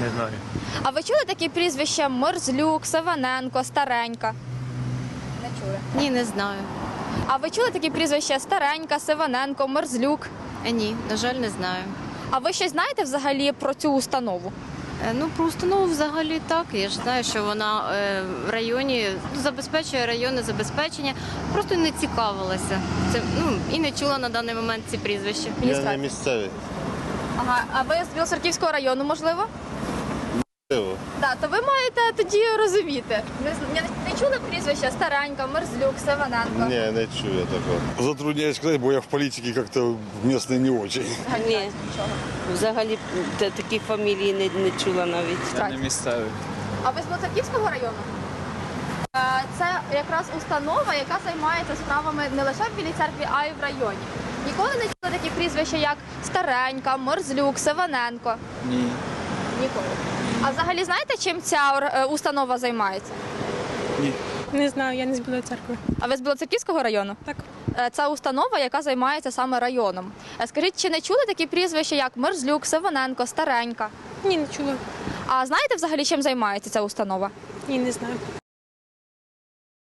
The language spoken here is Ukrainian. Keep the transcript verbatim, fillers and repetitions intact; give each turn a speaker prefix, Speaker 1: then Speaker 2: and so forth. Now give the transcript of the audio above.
Speaker 1: Не знаю.
Speaker 2: А ви чули такі прізвища Мерзлюк, Саваненко, Старенька? Не чули.
Speaker 3: Ні, не знаю.
Speaker 2: А ви чули такі прізвища Старенька, Саваненко, Мерзлюк?
Speaker 3: Е, Ні, на жаль, не знаю.
Speaker 2: А ви щось знаєте взагалі про цю установу?
Speaker 3: Е, Ну, про установу взагалі так. Я ж знаю, що вона е, в районі ну, забезпечує районне забезпечення. Просто не цікавилася. Це, ну, і не чула на даний момент ці прізвища.
Speaker 4: Я не місцевий.
Speaker 2: Ага, а ви з Білоцерківського району, можливо?
Speaker 4: Місцево.
Speaker 2: Так, то ви маєте тоді розуміти. Не, з- не, не чули прізвища Старенька, Мерзлюк, Саваненко?
Speaker 4: Ні, не чую такого.
Speaker 5: Затрудняюсь сказать, бо я в політиці як-то місний не очень.
Speaker 6: Ні, взагалі та- таких фамілій не, не чула навіть.
Speaker 1: Я не місцевий.
Speaker 2: А ви з Білоцерківського району? Е, Це якраз установа, яка займається справами не лише в Білій церкві, а й в районі. Ніколи не чули такі прізвища, як Старенька, Мерзлюк, Саваненко?
Speaker 1: Ні.
Speaker 2: Ніколи. А взагалі знаєте, чим ця ор- е, установа займається?
Speaker 1: Ні.
Speaker 7: Не знаю, я не з Білої церкви.
Speaker 2: А ви з Білоцерківського району?
Speaker 7: Так.
Speaker 2: Е, Це установа, яка займається саме районом. Е, Скажіть, чи не чули такі прізвища, як Мерзлюк, Саваненко, Старенька?
Speaker 7: Ні, не чула.
Speaker 2: А знаєте взагалі, чим займається ця установа?
Speaker 7: Ні, не знаю.